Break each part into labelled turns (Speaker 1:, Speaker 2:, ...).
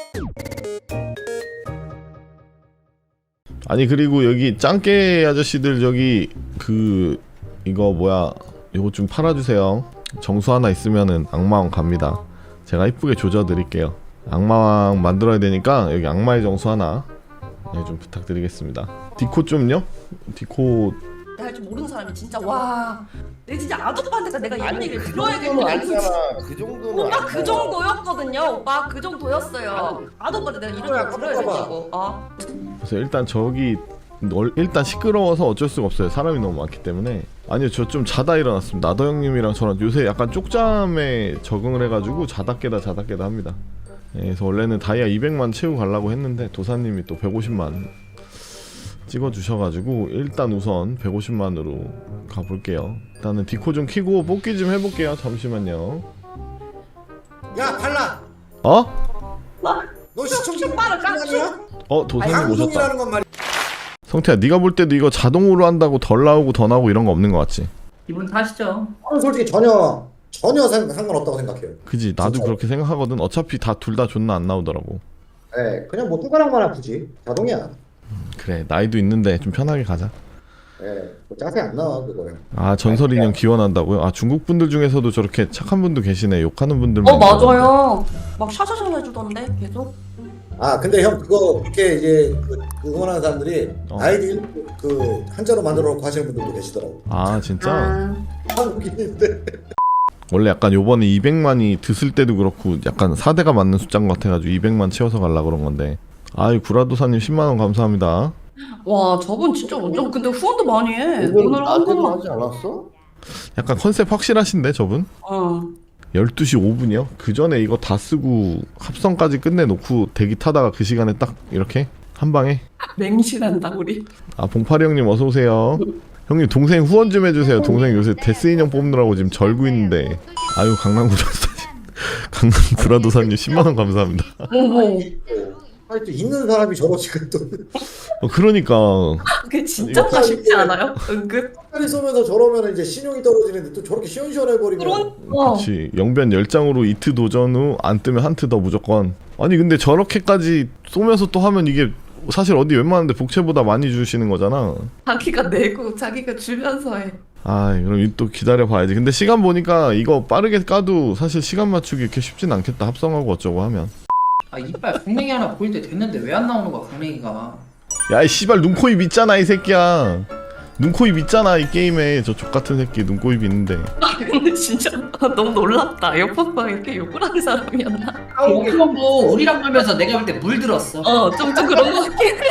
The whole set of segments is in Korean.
Speaker 1: 아니 그리고 여기 짱깨 아저씨들 저기 이거 뭐야 이거 좀 팔아주세요. 정수 하나 있으면은 악마왕 갑니다. 제가 이쁘게 조져드릴게요. 악마왕 만들어야 되니까 여기 악마의 정수 하나 좀 부탁드리겠습니다. 디코 좀요? 디코
Speaker 2: 할 줄 모르는 사람이 진짜 와. 내 진짜 아도빠한테 내가 옛날 얘기를 들어야겠네.
Speaker 3: 그 정도는
Speaker 2: 오빠 그 정도였거든요. 오빠 그 정도였어요. 아도빠한테 내가 이런 얘기를 들어야겠다고.
Speaker 1: 그래서 일단 저기 일단 시끄러워서 어쩔 수가 없어요. 사람이 너무 많기 때문에. 아니요 저 좀 자다 일어났습니다. 나더 형님이랑 저랑 요새 약간 쪽잠에 적응을 해가지고 자다 깨다 합니다. 그래서 원래는 다이아 200만 채우고 가려고 했는데 도사님이 또 150만 찍어주셔가지고 일단 우선 150만으로 가볼게요. 일단은 디코 좀 키고 뽑기 좀 해볼게요. 잠시만요.
Speaker 3: 야 달라.
Speaker 1: 어?
Speaker 3: 너 시청자
Speaker 2: 깡충.
Speaker 1: 도사님 오셨다.
Speaker 3: 방송이라는 건 말이야.
Speaker 1: 성태야 네가 볼 때도 이거 자동으로 한다고 덜 나오고 더 나오고 이런 거 없는 거 같지?
Speaker 4: 기분 탓이죠.
Speaker 3: 솔직히 전혀 상관없다고 생각해요.
Speaker 1: 그지 나도
Speaker 3: 진짜로.
Speaker 1: 그렇게 생각하거든. 어차피 둘 다 존나 안 나오더라고.
Speaker 3: 네, 그냥 뭐 뚜가랑만 아프지. 자동이야.
Speaker 1: 그래 나이도 있는데 좀 편하게 가자.
Speaker 3: 네, 뭐 짜세 안 나와 그거야.
Speaker 1: 아 전설 인형 기원한다고요? 아 중국 분들 중에서도 저렇게 착한 분도 계시네. 욕하는 분들만.
Speaker 2: 맞아요. 막 샤샤샤 해주던데 계속.
Speaker 3: 아 근데 형 그거 그렇게 이제 그 응원하는 사람들이 아이디 그 한자로 만들어 놓고 하시는 분들도 계시더라고.
Speaker 1: 아 진짜?
Speaker 3: 한국인인데.
Speaker 1: 원래 약간 요번에 200만이 드슬 때도 그렇고 약간 4대가 맞는 숫자인 것 같아가지고 200만 채워서 가려고 그런 건데. 아이 구라도사님 10만원 감사합니다.
Speaker 2: 와 저분 진짜 완전 근데 후원도 많이 해. 오늘 한 번만.
Speaker 3: 하지 않았어?
Speaker 1: 약간 컨셉 확실하신데 저분? 12시 5분이요? 그 전에 이거 다 쓰고 합성까지 끝내놓고 대기 타다가 그 시간에 딱 이렇게 한 방에.
Speaker 2: 맹신한다 우리.
Speaker 1: 아 봉파리 형님 어서 오세요. 형님 동생 후원 좀 해주세요. 동생 요새 데스 인형 뽑느라고 지금 절구 있는데. 아유 강남구라도사님 10만원 감사합니다.
Speaker 2: 어머.
Speaker 3: 아니 또 있는 사람이 저러지가 또.
Speaker 1: 그러니까
Speaker 2: 그게 진짜가 쉽지 않아요? 은근.
Speaker 3: 팔이 쏘면서 저러면 이제 신용이 떨어지는데 또 저렇게 시원시원해 버리면.
Speaker 1: 그렇지. 영변 10장으로 이트 도전 후 안 뜨면 한트 더 무조건. 아니 근데 저렇게까지 쏘면서 또 하면 이게 사실 어디 웬만한데 복채보다 많이 주시는 거잖아.
Speaker 2: 자기가 내고 자기가 주면서 해.
Speaker 1: 아 그럼 또 기다려 봐야지. 근데 시간 보니까 이거 빠르게 까도 사실 시간 맞추기 이렇게 쉽진 않겠다. 합성하고 어쩌고 하면.
Speaker 4: 아 이빨 강냉이 하나 보일 때 됐는데 왜 안 나오는 거야 강냉이가.
Speaker 1: 야이 씨발 눈코입 있잖아 이 새끼야. 눈코입 있잖아 이 게임에. 저 족같은 새끼 눈코입 있는데.
Speaker 2: 아 근데 진짜 너무 놀랍다. 옆방방 이렇게 욕을 하는 사람이었나?
Speaker 4: 그거 뭐 우리랑 놀면서 내가 볼 때 물들었어.
Speaker 2: 좀 그런 거 같긴 해.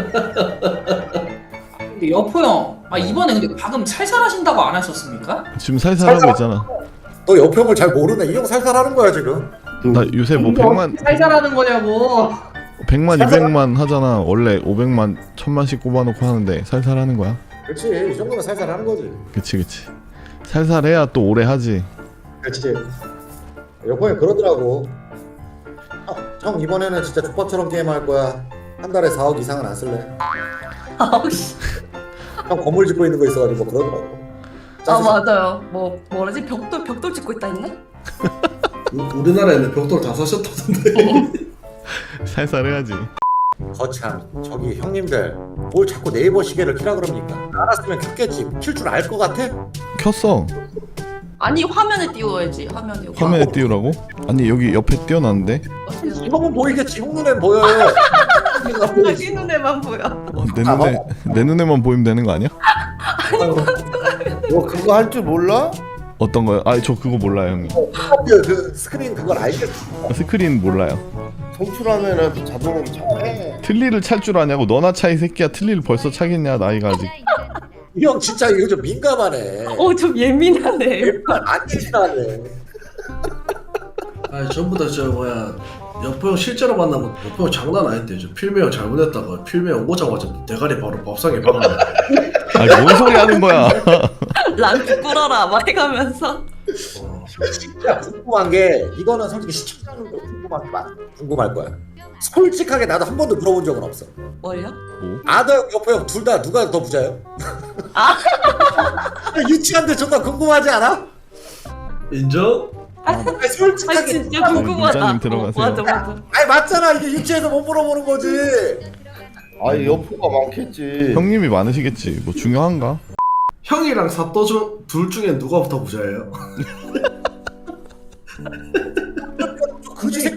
Speaker 4: 근데 여포 형, 이번에 근데 방금 살살하신다고 안 하셨습니까?
Speaker 1: 지금 살살 하고 있잖아.
Speaker 3: 너 옆형을 잘 모르네. 이 형 살살하는 거야 지금.
Speaker 1: 나 요새 뭐 100만
Speaker 4: 살살하는 거냐고.
Speaker 1: 100만 200만 하잖아. 원래 500만 1000만씩 꼽아놓고 하는데 살살 하는 거야.
Speaker 3: 그렇지. 이 정도면 살살하는 거지.
Speaker 1: 그치 살살 해야 또 오래 하지.
Speaker 3: 그렇지. 옆형이 그러더라고. 형 이번에는 진짜 족밥처럼 게임할 거야. 한 달에 4억 이상은 안 쓸래.
Speaker 2: 아우씨.
Speaker 3: 형 건물 짓고 있는 거 있어가지고 뭐 그러더라고.
Speaker 2: 맞아요. 뭐라지 벽돌 짓고 있다 했나?
Speaker 5: 우리나라에는 벽돌 다 사셨다던데.
Speaker 1: 살살 해야지.
Speaker 3: 거참 저기 형님들 뭘 자꾸 네이버 시계를 키라 그럽니까? 알았으면 켰겠지. 킬 줄 알 것 같아?
Speaker 1: 켰어.
Speaker 2: 아니 화면에 띄워야지.
Speaker 1: 화면에 띄우라고? 아니 여기 옆에 띄워놨는데.
Speaker 3: 형은 보이겠지. 형 눈엔 보여요.
Speaker 2: 자기 눈에만 보여.
Speaker 1: 내 눈에만 보이면 되는 거 아니야?
Speaker 5: 너 그거 할 줄 몰라?
Speaker 1: 어떤 거요? 아 저 그거 몰라요 형님.
Speaker 3: 그 스크린 그걸 알겠지.
Speaker 1: 스크린 몰라요.
Speaker 5: 송출하면은 자동으로 차.
Speaker 1: 틀니를 찰 줄 아냐고. 너나 차 이 새끼야. 틀니를 벌써 차겠냐 나이가 아직.
Speaker 3: 이 형 진짜 이거 좀 민감하네.
Speaker 2: 좀 예민하네.
Speaker 3: 안 예민하네.
Speaker 5: 아니 전부 다 저 뭐야 여포 형 실제로 만나면 여포 형 장난 아닌데 저 필메 형 잘못했다가 필메 형 오자마자 대가리 바로 밥상에 박아.
Speaker 1: 아니 뭔 소리 하는 거야.
Speaker 2: 란주 꿇어라 막 해가면서.
Speaker 3: 진짜 궁금한 게 이거는 솔직히 시청자들도 궁금할 거야. 솔직하게 나도 한 번도 물어본 적은 없어.
Speaker 2: 뭘요?
Speaker 3: 아더 여포 형 둘 다 누가 더 부자요? 유치한데 존나 궁금하지 않아?
Speaker 5: 인정?
Speaker 3: 아니,
Speaker 2: 아
Speaker 3: 솔직하게
Speaker 2: 진짜 궁금하다.
Speaker 1: 문자님 들어가세요.
Speaker 2: 맞아 맞아.
Speaker 3: 아니 맞잖아 이게 유치해서 못 물어보는 거지.
Speaker 6: 아니 여포가 많겠지.
Speaker 1: 형님이 많으시겠지. 뭐 중요한가?
Speaker 5: 형이랑 사또 둘 중에 누가 더 부자예요?
Speaker 3: 그지 새끼.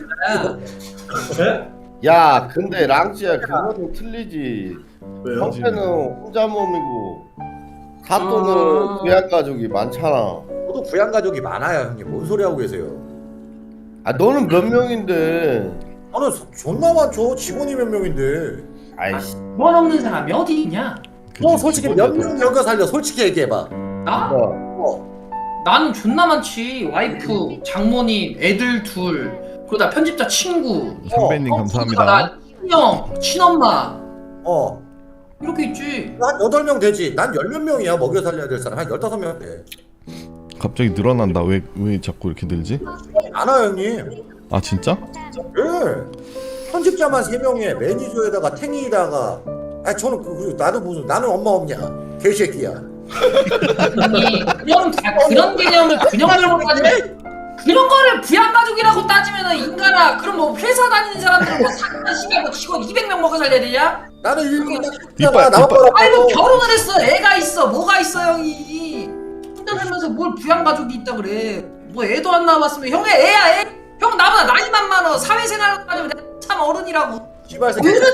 Speaker 5: 네?
Speaker 6: 근데 랑지야 그거는 틀리지.
Speaker 5: 왜요?
Speaker 6: 형태는 혼자 몸이고 사또는 부양 가족이 많잖아.
Speaker 3: 저도 부양 가족이 많아요 형님. 뭔 소리 하고 계세요?
Speaker 6: 아 너는 몇 명인데?
Speaker 3: 나는 존나 많죠. 직원이 몇 명인데.
Speaker 6: 아이씨.
Speaker 4: 원 없는 사람이 어디 있냐?
Speaker 3: 너 솔직히 몇 명 여겨 살려? 솔직히 얘기해봐.
Speaker 4: 나? 나는 존나 많지. 와이프, 장모님, 애들 둘, 그러다 편집자 친구,
Speaker 1: 선배님
Speaker 4: 나
Speaker 1: 감사합니다.
Speaker 4: 친형, 친엄마
Speaker 3: 어.
Speaker 4: 이렇게 있지.
Speaker 3: 한 8명 되지. 난 10몇 명이야. 먹여 살려야 될 사람. 한 15명 돼.
Speaker 1: 갑자기 늘어난다. 왜 자꾸 이렇게 늘지?
Speaker 3: 많아요 형님.
Speaker 1: 아 진짜?
Speaker 3: 예. 편집자만 3명에 매니저에다가 탱이다가 아니 저는 그리고 나도 무슨 나는 엄마 없냐 개새끼야.
Speaker 4: 아니 그런 개념을 균형적으로 따지면 그런 거를 부양가족이라고 따지면은 인간아 그럼 뭐 회사 다니는 사람들은 뭐 사는 시간 뭐 직원 200명 먹어 살려야 되냐?
Speaker 3: 나는 일곱
Speaker 1: 이빨,
Speaker 3: 나만
Speaker 1: 이빨.
Speaker 4: 아이고 결혼을 했어 애가 있어 뭐가 있어 형이 혼자 살면서 뭘 부양가족이 있다 그래 뭐 애도 안 낳아봤으면 형의 애야 애? 형 나보다 나이만 많어 사회생활을 따지면 내가 참 어른이라고
Speaker 3: 씨발 새끼 이런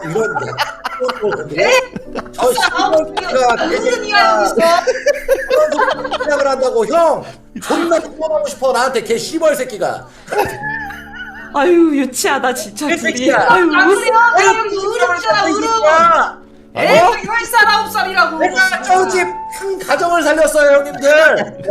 Speaker 3: 저 씨발가
Speaker 4: 어른이야 여기 있어
Speaker 3: 생각을 한다고 형 존나 통화하고 싶어 나한테 개 씨발 새끼가.
Speaker 2: 아유 유치하다 진짜 둘이.
Speaker 3: 새끼야.
Speaker 2: 아유
Speaker 4: 아유 어른이잖아 어른 애가 10살 9살이라고
Speaker 3: 내가 저 집 큰 가정을 살렸어요 형님들.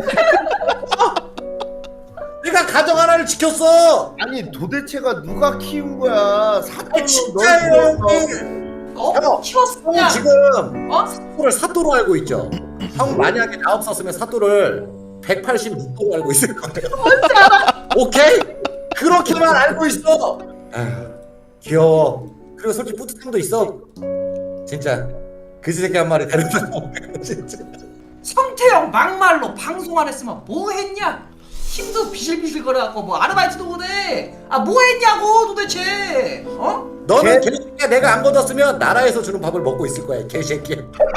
Speaker 3: 내가 가정 하나를 지켰어.
Speaker 6: 아니 도대체가 누가 키운 거야? 사또는
Speaker 3: 진짜예요
Speaker 6: 널
Speaker 3: 형님.
Speaker 4: 어? 키웠어
Speaker 3: 형
Speaker 4: 그냥
Speaker 3: 지금
Speaker 4: 어?
Speaker 3: 사또를 사또로 알고 있죠. 형 만약에 나 없었으면 사또를 186도로 알고 있을 거예요. 오케이? 그렇게만 알고 있어. 아휴, 귀여워. 그리고 솔직히 뿌듯함도 있어. 진짜 그지 새끼 한 마리 데려다 놓으면 진짜.
Speaker 4: 성태형 막말로 방송 안 했으면 뭐 했냐? 힘도 비실비실 거려갖고 뭐 아르바이트도 못해 아 뭐 했냐고 도대체 어?
Speaker 3: 너는 개새끼야 내가 안 걷었으면 나라에서 주는 밥을 먹고 있을 거야 개새끼야.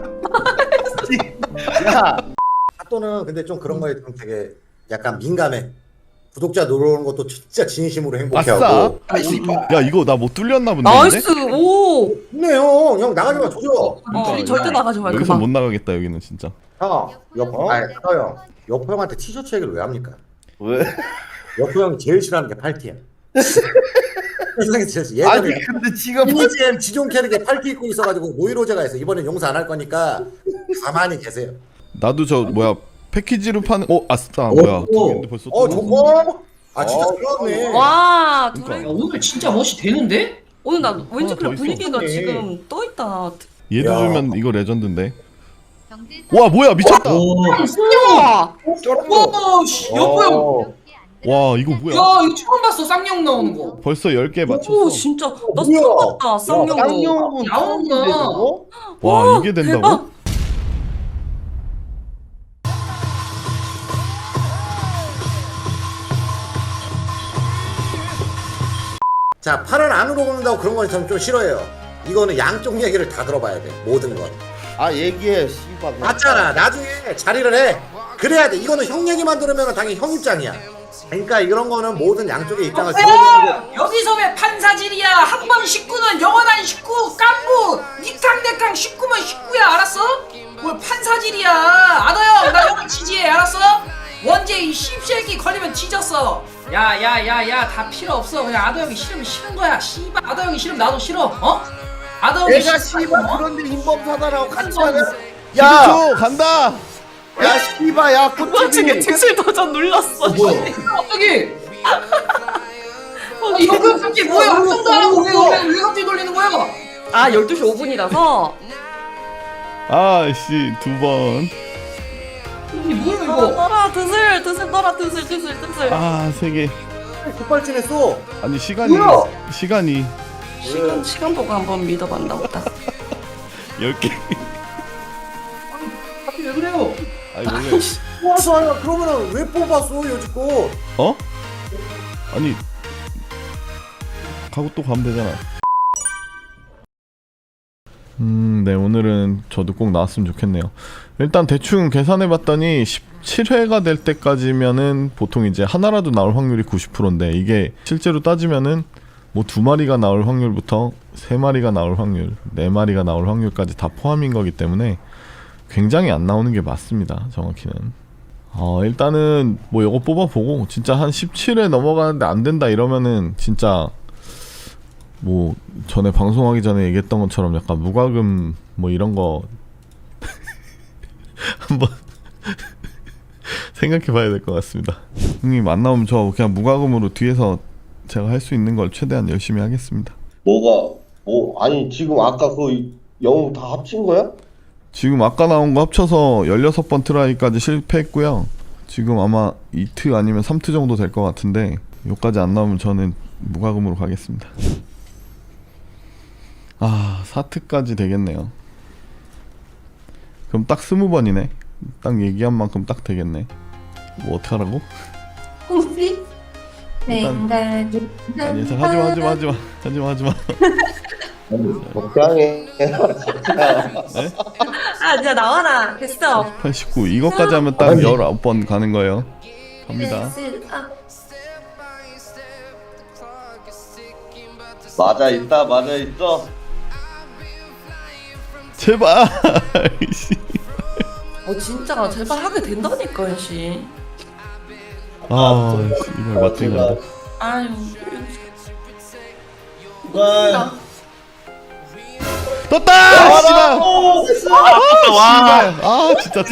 Speaker 6: 야,
Speaker 3: 사또는 근데 좀 그런 거에 좀 되게 약간 민감해. 구독자 늘어오는 것도 진짜 진심으로
Speaker 1: 아싸.
Speaker 3: 행복해하고.
Speaker 1: 야 이거 나 뭐 뚫렸나 본데.
Speaker 2: 나이스 오.
Speaker 3: 좋네 형 나가지 마 조져.
Speaker 2: 우리 절대 나가지 말고.
Speaker 1: 여기서 못 나가겠다 여기는 진짜.
Speaker 3: 형 아니 형 여포 형한테 티셔츠 얘기를 왜 합니까?
Speaker 6: 왜?
Speaker 3: 여포 형이 제일 싫어하는 게 팔티야. 세상에 제일
Speaker 6: 아니
Speaker 3: 예전에
Speaker 6: 근데 지금
Speaker 3: 이지엠 지존 캐릭에 팔티 입고 있어가지고 노이로제가 해서 이번엔 용서 안 할 거니까 가만히 계세요.
Speaker 1: 나도 저 뭐야 패키지로 파는 아싸 뭐야 근데 벌써
Speaker 3: 저거 아 진짜 들어왔네.
Speaker 2: 와
Speaker 1: 그러니까.
Speaker 2: 둘이
Speaker 4: 야, 오늘 진짜 멋이 되는데?
Speaker 2: 오늘 나 왠지
Speaker 1: 더
Speaker 2: 그냥
Speaker 1: 있어.
Speaker 2: 분위기가
Speaker 3: 네.
Speaker 2: 지금 떠 있다.
Speaker 1: 얘도
Speaker 3: 야.
Speaker 1: 주면 이거 레전드인데. 와 뭐야 미쳤다.
Speaker 2: 와.
Speaker 4: 와씨 여보 형
Speaker 1: 와 이거 뭐야?
Speaker 4: 야 이거 처음 봤어 쌍용 나오는 거
Speaker 1: 벌써 10개
Speaker 2: 오
Speaker 1: 맞췄어.
Speaker 2: 진짜 나
Speaker 3: 뭐야?
Speaker 2: 처음 봤다 쌍용도.
Speaker 6: 쌍용은
Speaker 4: 나오는구나.
Speaker 6: 처음인데,
Speaker 1: 와 이게 된다고?
Speaker 2: 대박.
Speaker 3: 자 팔을 안으로 걷는다고 그런 건 좀 싫어해요. 이거는 양쪽 얘기를 다 들어봐야 돼 모든 건.
Speaker 6: 아 얘기해 씨발.
Speaker 3: 맞잖아. 나중에 자리를 해. 그래야 돼. 이거는 형 얘기만 들으면 당연히 형 입장이야. 그러니까 이런 거는 모든 양쪽의 입장을 들어주는 게.
Speaker 4: 여기서 왜 판사질이야 한 번 식구는 영원한 식구 깐부 니캉대캉 식구면 식구야 알았어? 뭘 판사질이야 아더형 나 형을 지지해 알았어? 원재 이 씹새끼 걸리면 뒤졌어 야야야야 다 필요 없어 그냥 아더형이 싫으면 싫은 거야 씨발 아더형이 싫으면 나도 싫어 어? 아더형이
Speaker 6: 내가
Speaker 4: 싫으면
Speaker 6: 씨발
Speaker 4: 어?
Speaker 6: 그런데 인범사다라고 같이 하냐?
Speaker 1: 야
Speaker 6: 야,
Speaker 1: 간다.
Speaker 6: 야 씨발 야
Speaker 2: 와중에
Speaker 6: 꽃집이.
Speaker 2: 등술 버전 눌렀어.
Speaker 4: 갑자기 이거 갑자기 뭐야 합성도 안 하고 왜 갑자기 돌리는 거야?
Speaker 2: 아 12시 5분이라서.
Speaker 1: 아씨 2번.
Speaker 4: 이게 뭐야 이거
Speaker 2: 떠라 드슬 떠라 드슬.
Speaker 1: 아 3개.
Speaker 3: 급발진했어.
Speaker 1: 아니 시간이
Speaker 4: 뭐야?
Speaker 1: 시간이
Speaker 2: 시간 보고 한번 믿어봤나 보다.
Speaker 1: 10개.
Speaker 4: 갑자기 왜 그래요?
Speaker 1: 아니 원래
Speaker 3: 뽑아서 하냐? 그러면은 왜 뽑았어 여지껏?
Speaker 1: 어? 아니 가고 또 가면 되잖아. 네, 오늘은 저도 꼭 나왔으면 좋겠네요. 일단 대충 계산해봤더니 17회가 될 때까지면은 보통 이제 하나라도 나올 확률이 90%인데 이게 실제로 따지면은 뭐 2마리가 나올 확률부터 3마리가 나올 확률, 4마리가 나올 확률까지 다 포함인 거기 때문에 굉장히 안 나오는 게 맞습니다. 정확히는. 일단은 뭐 이거 뽑아보고 진짜 한 17회 넘어가는데 안 된다 이러면은 진짜 뭐 전에 방송하기 전에 얘기했던 것처럼 약간 무과금 뭐 이런 거 한번 생각해봐야 될 것 같습니다. 형님 안 나오면 저 그냥 무과금으로 뒤에서 제가 할 수 있는 걸 최대한 열심히 하겠습니다.
Speaker 6: 뭐가 뭐 아니 지금 아까 그 영웅 다 합친 거야?
Speaker 1: 지금 아까 나온 거 합쳐서 16번 트라이까지 실패했고요. 지금 아마 2트 아니면 3트 정도 될 것 같은데 요까지 안 나오면 저는 무과금으로 가겠습니다. 4트까지 되겠네요. 그럼 딱 20번이네. 딱 얘기한 만큼 딱 되겠네. 뭐 어떡하라고?
Speaker 2: 혹시
Speaker 1: 일단- 아니 하지마.
Speaker 6: 적당해.
Speaker 2: 아 진짜 나와라. 됐어.
Speaker 1: 89 이거까지 하면 딱 19번 가는 거예요. 갑니다.
Speaker 6: 맞아 있어.
Speaker 1: 제발. 씨.
Speaker 2: 진짜 제발 하게 된다니까 씨.
Speaker 1: 이걸 맞지 이건데.
Speaker 2: 아유.
Speaker 1: 떴다! 씨발! 진짜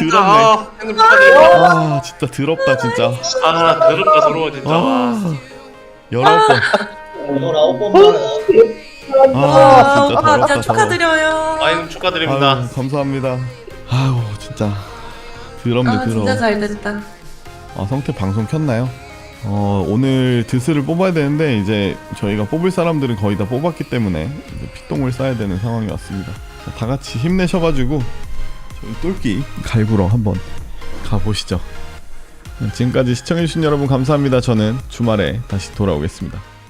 Speaker 1: 더럽네. 진짜 더럽다 진짜.
Speaker 7: 더럽다 더러워 진짜.
Speaker 1: 19번.
Speaker 2: 19번.
Speaker 1: 진짜
Speaker 2: 진짜 축하드려요.
Speaker 7: 아유 축하드립니다.
Speaker 1: 아유, 감사합니다. 아유 진짜 더럽네 더러워.
Speaker 2: 진짜 잘 됐다.
Speaker 1: 성태 방송 켰나요? 오늘 드스를 뽑아야 되는데 이제 저희가 뽑을 사람들은 거의 다 뽑았기 때문에 이제 피똥을 싸야 되는 상황이 왔습니다. 다 같이 힘내셔가지고 저희 똘끼 갈구러 한번 가보시죠. 지금까지 시청해주신 여러분 감사합니다. 저는 주말에 다시 돌아오겠습니다.